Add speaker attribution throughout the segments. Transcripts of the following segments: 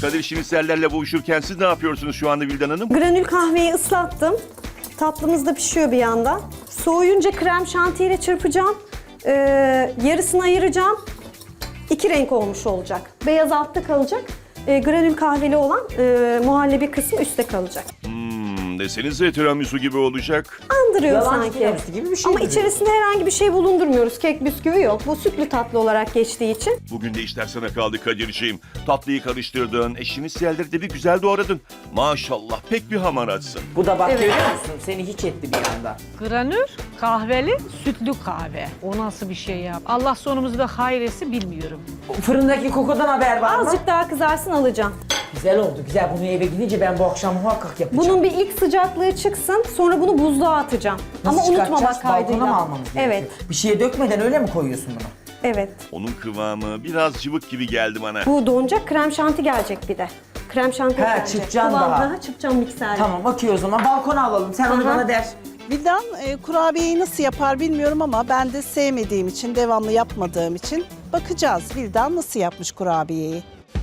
Speaker 1: Kadir şinisellerle boğuşurken siz ne yapıyorsunuz şu anda Vildan Hanım?
Speaker 2: Granül kahveyi ıslattım. Tatlımız da pişiyor bir yandan. Soğuyunca krem şantiyle çırpacağım. Yarısını ayıracağım. İki renk olmuş olacak. Beyaz altta kalacak. Granül kahveli olan muhallebi kısmı üstte kalacak.
Speaker 1: Desenize tiramisu gibi olacak.
Speaker 2: Andırıyor
Speaker 3: Yalan
Speaker 2: sanki.
Speaker 3: tiramisu gibi bir şey
Speaker 2: Ama
Speaker 3: duruyor.
Speaker 2: içerisinde herhangi bir şey bulundurmuyoruz. Kek, bisküvi yok. Bu sütlü tatlı olarak geçtiği için.
Speaker 1: Bugün de işler sana kaldı Kadir'ciğim. Tatlıyı karıştırdın, şiniselleri de bir güzel doğradın. Maşallah pek bir hamaratsın.
Speaker 3: Bu da bak
Speaker 2: Evet.
Speaker 3: görüyor musun? Seni hiç etti bir anda.
Speaker 4: Granül, kahveli, sütlü kahve. O nasıl bir şey ya? Allah sonumuzu da hayretsin bilmiyorum.
Speaker 3: Fırındaki kokudan haber var mı?
Speaker 2: Azıcık daha kızarsın alacağım.
Speaker 3: Güzel oldu güzel. Bunu eve gidince ben bu akşam muhakkak yapacağım.
Speaker 2: Bunun bir ilk sıcaklığı çıksın. Sonra bunu buzluğa atacağım.
Speaker 3: Nasıl
Speaker 2: Ama unutmamak
Speaker 3: çıkartacağız?
Speaker 2: kaydıyla.
Speaker 3: Balkona mı almamız gerekiyor?
Speaker 2: Evet,
Speaker 3: Bir şeye dökmeden öyle mi koyuyorsun bunu?
Speaker 2: evet.
Speaker 1: Onun kıvamı biraz cıvık gibi geldi bana.
Speaker 2: Bu donacak, krem şanti gelecek bir de. Krem şanti
Speaker 3: He,
Speaker 2: gelecek.
Speaker 3: çırpacaksın daha.
Speaker 2: Kıvamına çırpacağım mikserle.
Speaker 3: Tamam okey o zaman balkona alalım. Sen onu
Speaker 2: Aha.
Speaker 3: bana der.
Speaker 5: Vildan kurabiyeyi nasıl yapar bilmiyorum ama ben de sevmediğim için, devamlı yapmadığım için bakacağız. Vildan nasıl yapmış kurabiyeyi?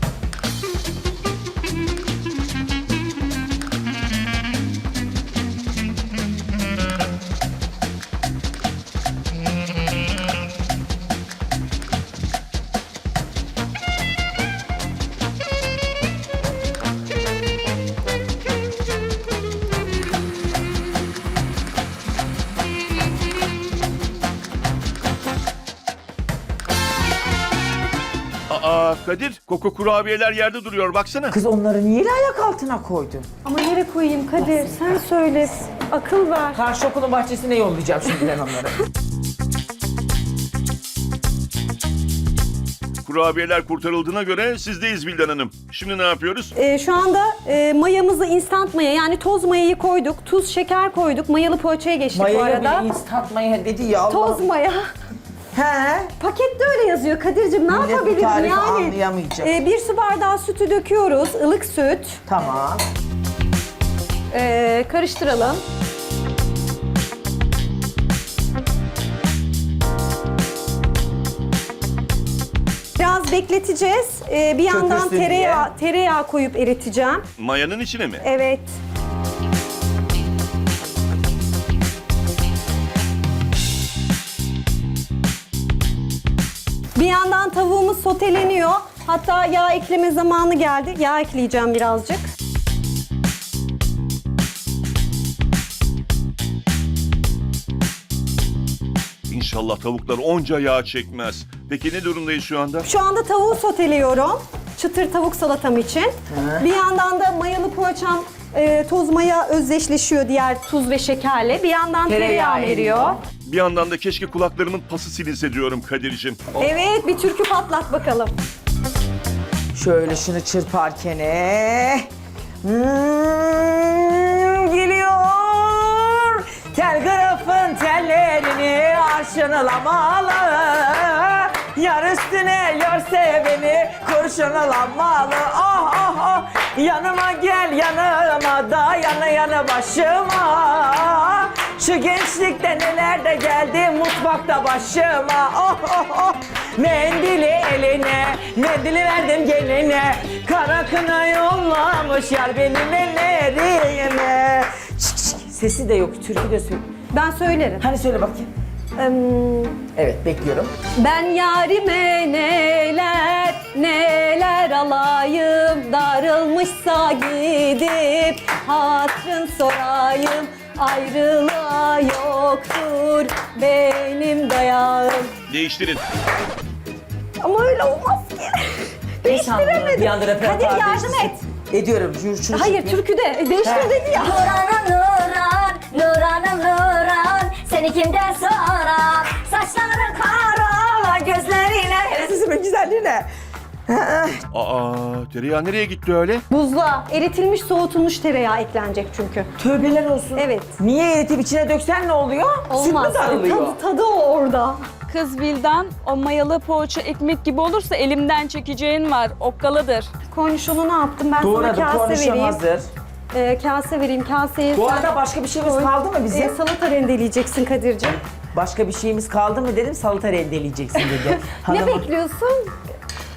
Speaker 1: Aa Kadir, koko kurabiyeler yerde duruyor baksana.
Speaker 3: Kız onları niye ayak altına koydun?
Speaker 2: Ama nereye koyayım Kadir? Sen söyle. Akıl ver.
Speaker 3: Karşı okulun bahçesine yollayacağım şimdi ben onları.
Speaker 1: Kurabiyeler kurtarıldığına göre sizdeyiz Vildan Hanım. Şimdi ne yapıyoruz?
Speaker 2: Şu anda mayamızı instant maya yani toz mayayı koyduk. Tuz, şeker koyduk. Mayalı poğaçaya geçtik bu
Speaker 3: Mayaya
Speaker 2: arada.
Speaker 3: bir instant maya dedi ya Allah.
Speaker 2: Toz maya.
Speaker 3: He.
Speaker 2: Pakette öyle yazıyor Kadir'cim. Ne
Speaker 3: Millet bu
Speaker 2: yapabilirim
Speaker 3: tarifi
Speaker 2: yani?
Speaker 3: anlayamayacak.
Speaker 2: Bir su bardağı sütü döküyoruz. Ilık süt.
Speaker 3: Tamam.
Speaker 2: Karıştıralım. Biraz bekleteceğiz. Bir yandan
Speaker 3: Çökülsün diye.
Speaker 2: tereyağı koyup eriteceğim.
Speaker 1: Mayanın içine mi?
Speaker 2: Evet. Bir yandan tavuğumuz soteleniyor. Hatta yağ ekleme zamanı geldi. Yağ ekleyeceğim birazcık.
Speaker 1: İnşallah tavuklar onca yağ çekmez. Peki ne durumdayız şu anda?
Speaker 2: Şu anda tavuğu soteliyorum. Çıtır tavuk salatam için. Bir yandan da mayalı poğaçam toz maya özdeşleşiyor diğer tuz ve şekerle. Bir yandan tereyağı eriyor.
Speaker 1: Bir yandan da keşke kulaklarımın pası silinse diyorum Kadir'cim.
Speaker 2: Evet, bir türkü patlat bakalım.
Speaker 3: Şöyle şunu çırparken geliyor. Telgrafın tellerini arşınlamalı. Yar üstüne yorse beni kurşunlamalı. Ah ah ah yanıma gel yanıma da yanı başıma. Şu gençlikte neler de geldi mutfakta başıma. Oh oh oh mendili eline, mendili verdim geline. Kara kına yollamış yar benim ellerime. Şık şık. Sesi de yok, türkü de söyle.
Speaker 2: Ben söylerim.
Speaker 3: Hani söyle bakayım. Evet bekliyorum.
Speaker 2: Ben yarime neler neler alayım, darılmışsa gidip hatrın sorayım. Ayrılığa yoktur benim dayağım.
Speaker 1: Değiştirin.
Speaker 2: Ama öyle olmaz ki. Değiştiremedim.
Speaker 3: Bir anda repertuar
Speaker 2: Kadir yardım
Speaker 3: değiştirsin.
Speaker 2: et.
Speaker 3: Ediyorum. Şunu
Speaker 2: Hayır
Speaker 3: çekeyim.
Speaker 2: türküde. Değiştir dedi ya.
Speaker 6: Nuranım Nuran, Nuranım Nuran, seni kimden sorar? Saçların kara, gözlerine...
Speaker 3: Sesimin güzelliği ne?
Speaker 1: Aa tereyağı nereye gitti öyle?
Speaker 2: Buzluğa eritilmiş soğutulmuş tereyağı eklenecek çünkü.
Speaker 3: Tövbeler olsun.
Speaker 2: Evet.
Speaker 3: Niye eritip içine döksen ne oluyor?
Speaker 2: Olmaz.
Speaker 3: Süt mü darılıyor?
Speaker 2: Tadı o orada.
Speaker 7: Kız Vildan, o mayalı poğaça ekmek gibi olursa elimden çekeceğin var, okkalıdır.
Speaker 2: Kornişonu ne yaptım? Ben
Speaker 3: Doğradım,
Speaker 2: sana kase
Speaker 3: kornişon
Speaker 2: vereyim.
Speaker 3: hazır.
Speaker 2: Kase vereyim. Kaseye
Speaker 3: Bu
Speaker 2: sen
Speaker 3: arada başka bir şeyimiz kaldı mı bizim?
Speaker 2: salata rendeleyeceksin Kadir'ciğim.
Speaker 3: Başka bir şeyimiz kaldı mı dedim, salata rendeleyeceksin dedi.
Speaker 2: Ne
Speaker 3: Hanım-
Speaker 2: bekliyorsun?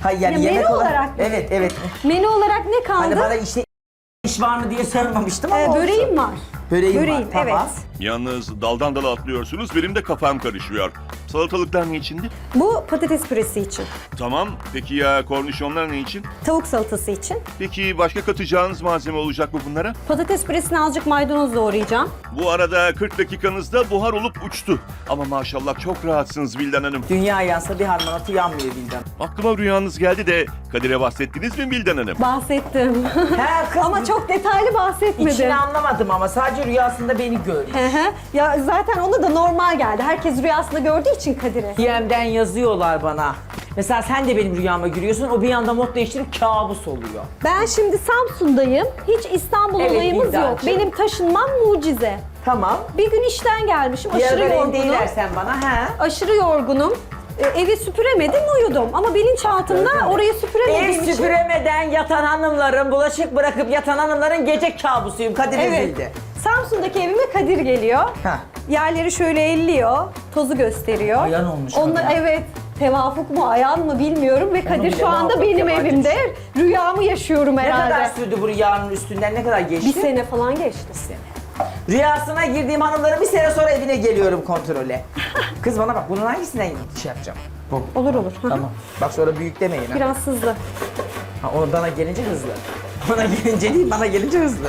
Speaker 3: Hayır yani
Speaker 2: Ya menü
Speaker 3: yemek
Speaker 2: olarak mı?
Speaker 3: Evet evet.
Speaker 2: Menü olarak ne kaldı?
Speaker 3: Hani bana işte iş var mı diye sormamıştım ama olsun.
Speaker 2: Böreğim var.
Speaker 3: Böreğim var, tamam.
Speaker 2: evet.
Speaker 1: Yalnız daldan dala atlıyorsunuz, benim de kafam karışıyor. Salatalıklar ne içindi?
Speaker 2: Bu patates püresi için.
Speaker 1: Tamam, peki ya kornişonlar ne için?
Speaker 2: Tavuk salatası için.
Speaker 1: Peki başka katacağınız malzeme olacak mı bunlara?
Speaker 2: Patates püresine azıcık maydanoz doğrayacağım.
Speaker 1: Bu arada 40 dakikanızda buhar olup uçtu. Ama maşallah çok rahatsınız Vildan Hanım.
Speaker 3: Dünya yansa bir harmanatı yanmıyor Bildan.
Speaker 1: Aklıma rüyanız geldi de Kadir'e bahsettiniz mi Vildan Hanım?
Speaker 2: Bahsettim.
Speaker 3: He kız.
Speaker 2: Ama çok detaylı bahsetmedim.
Speaker 3: İçini anlamadım ama sadece rüyasında beni görüyor.
Speaker 2: Hı hı. Ya zaten ona da normal geldi. Herkes rüyasında gördüğü için Kadir'i.
Speaker 3: DM'den yazıyorlar bana. Mesela sen de benim rüyama giriyorsun, o bir anda mod değiştirip kabus oluyor.
Speaker 2: Ben şimdi Samsun'dayım. Hiç İstanbul
Speaker 3: Evet,
Speaker 2: olayımız yok.
Speaker 3: Vildancığım.
Speaker 2: Benim taşınmam mucize.
Speaker 3: Tamam.
Speaker 2: Bir gün işten gelmişim.
Speaker 3: Bir
Speaker 2: Aşırı
Speaker 3: ara
Speaker 2: yorgunum.
Speaker 3: değilersen bana, he.
Speaker 2: Aşırı yorgunum. Evi süpüremedim, uyudum. Ama bilinçaltımda orayı süpüremediğim
Speaker 3: Ev
Speaker 2: için...
Speaker 3: süpüremeden yatan hanımların, bulaşık bırakıp yatan hanımların gece kabusuyum. Kadir
Speaker 2: Evet.
Speaker 3: ezildi.
Speaker 2: Samsun'daki evime Kadir geliyor.
Speaker 3: Heh.
Speaker 2: Yerleri şöyle elliyor, tozu gösteriyor.
Speaker 3: Ayan olmuş
Speaker 2: Onlar,
Speaker 3: kadına.
Speaker 2: evet, tevafuk mu, ayan mı bilmiyorum ve Kadir
Speaker 3: bile
Speaker 2: şu anda
Speaker 3: muhakkak
Speaker 2: benim
Speaker 3: yabancı
Speaker 2: evimde. Rüyamı yaşıyorum
Speaker 3: Ne
Speaker 2: herhalde.
Speaker 3: kadar sürdü bu rüyanın üstünden, ne kadar geçti?
Speaker 2: Bir sene falan geçti.
Speaker 3: Rüyasına girdiğim hanımların bir sene sonra evine geliyorum kontrole. Kız bana bak, bunun hangisinden şey yapacağım? Bu.
Speaker 2: Olur olur. Hı hı.
Speaker 3: Tamam. Bak sonra büyük demeyin ha.
Speaker 2: Biraz hızlı.
Speaker 3: Ha, o bana gelince hızlı. Bana gelince değil, bana gelince hızlı.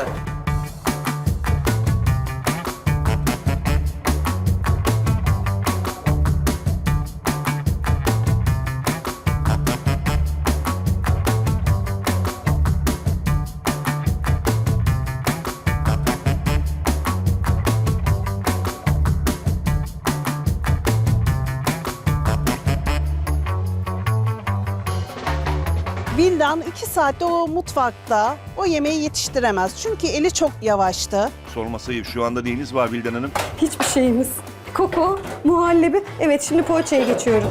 Speaker 5: Vildan 2 saatte o mutfakta o yemeği yetiştiremez. Çünkü eli çok yavaştı.
Speaker 1: Sorması ayıp, şu anda neyiniz var Vildan Hanım?
Speaker 2: Hiçbir şeyimiz. Koko, muhallebi. Evet, şimdi poğaçaya geçiyorum.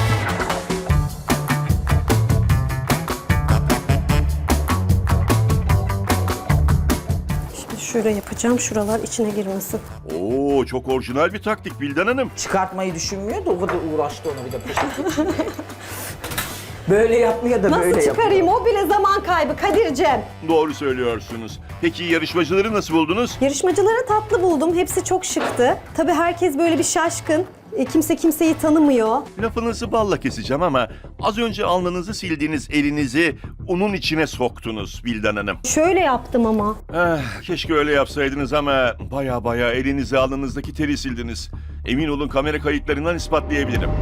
Speaker 2: Şimdi şöyle yapacağım, şuralar içine girmesin.
Speaker 1: Oo, çok orijinal bir taktik Vildan Hanım.
Speaker 3: Çıkartmayı düşünmüyor da o kadar uğraştı onu bir de poşet. Böyle yapmıyor da
Speaker 2: Nasıl
Speaker 3: böyle
Speaker 2: çıkarayım?
Speaker 3: yapıyor.
Speaker 2: O bile zaman kaybı Kadir'cem.
Speaker 1: Doğru söylüyorsunuz. Peki yarışmacıları nasıl buldunuz?
Speaker 2: Yarışmacıları tatlı buldum. Hepsi çok şıktı. Tabii herkes böyle bir şaşkın. Kimse kimseyi tanımıyor.
Speaker 1: Lafınızı balla keseceğim ama az önce alnınızı sildiğiniz elinizi unun içine soktunuz Vildan Hanım.
Speaker 2: Şöyle yaptım ama.
Speaker 1: Keşke öyle yapsaydınız ama baya elinizi alnınızdaki teri sildiniz. Emin olun kamera kayıtlarından ispatlayabilirim.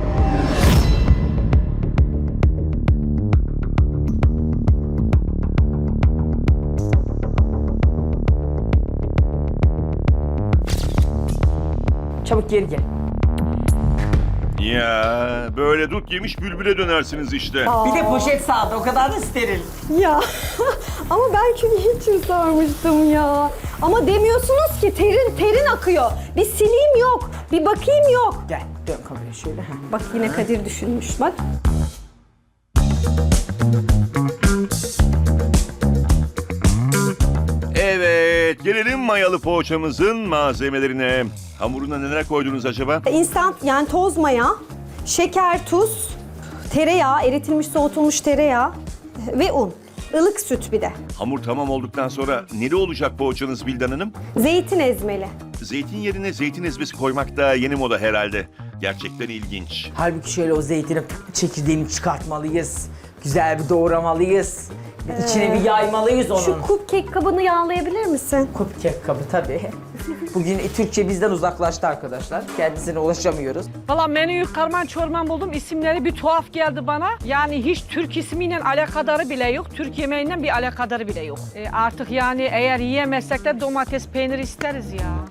Speaker 3: Çabuk geri gel.
Speaker 1: Ya böyle dut yemiş bülbüle dönersiniz işte.
Speaker 3: Bir de poşet sağdı, o kadar da steril.
Speaker 2: Ya ama ben çünkü için sarmıştım ya. Ama demiyorsunuz ki terin akıyor. Bir sileyim yok. Bir bakayım yok.
Speaker 3: Gel, dön kameraya şöyle.
Speaker 2: Bak yine Kadir düşünmüş bak.
Speaker 1: Evet, gelelim mayalı poğaçamızın malzemelerine. Hamuruna neler koydunuz acaba?
Speaker 2: İnstant yani toz maya, şeker, tuz, tereyağı, eritilmiş soğutulmuş tereyağı ve un. Ilık süt bir de.
Speaker 1: Hamur tamam olduktan sonra neli olacak poğaçanız Vildan Hanım?
Speaker 2: Zeytin ezmeli.
Speaker 1: Zeytin yerine zeytin ezmesi koymak da yeni moda herhalde. Gerçekten ilginç.
Speaker 3: Halbuki şöyle o zeytinin çekirdeğini çıkartmalıyız. Güzel bir doğramalıyız. İçine bir yaymalıyız onun.
Speaker 2: Şu cupcake kabını yağlayabilir misin?
Speaker 3: Cupcake kabı tabii. Bugün Türkçe bizden uzaklaştı arkadaşlar. Kendisine ulaşamıyoruz.
Speaker 4: Valla menüyü karman çorman buldum. İsimleri bir tuhaf geldi bana. Yani hiç Türk ismiyle alakadarı bile yok. Türk yemeğinden bir alakadarı bile yok. Artık yani eğer yiyemezsek de domates, peynir isteriz ya.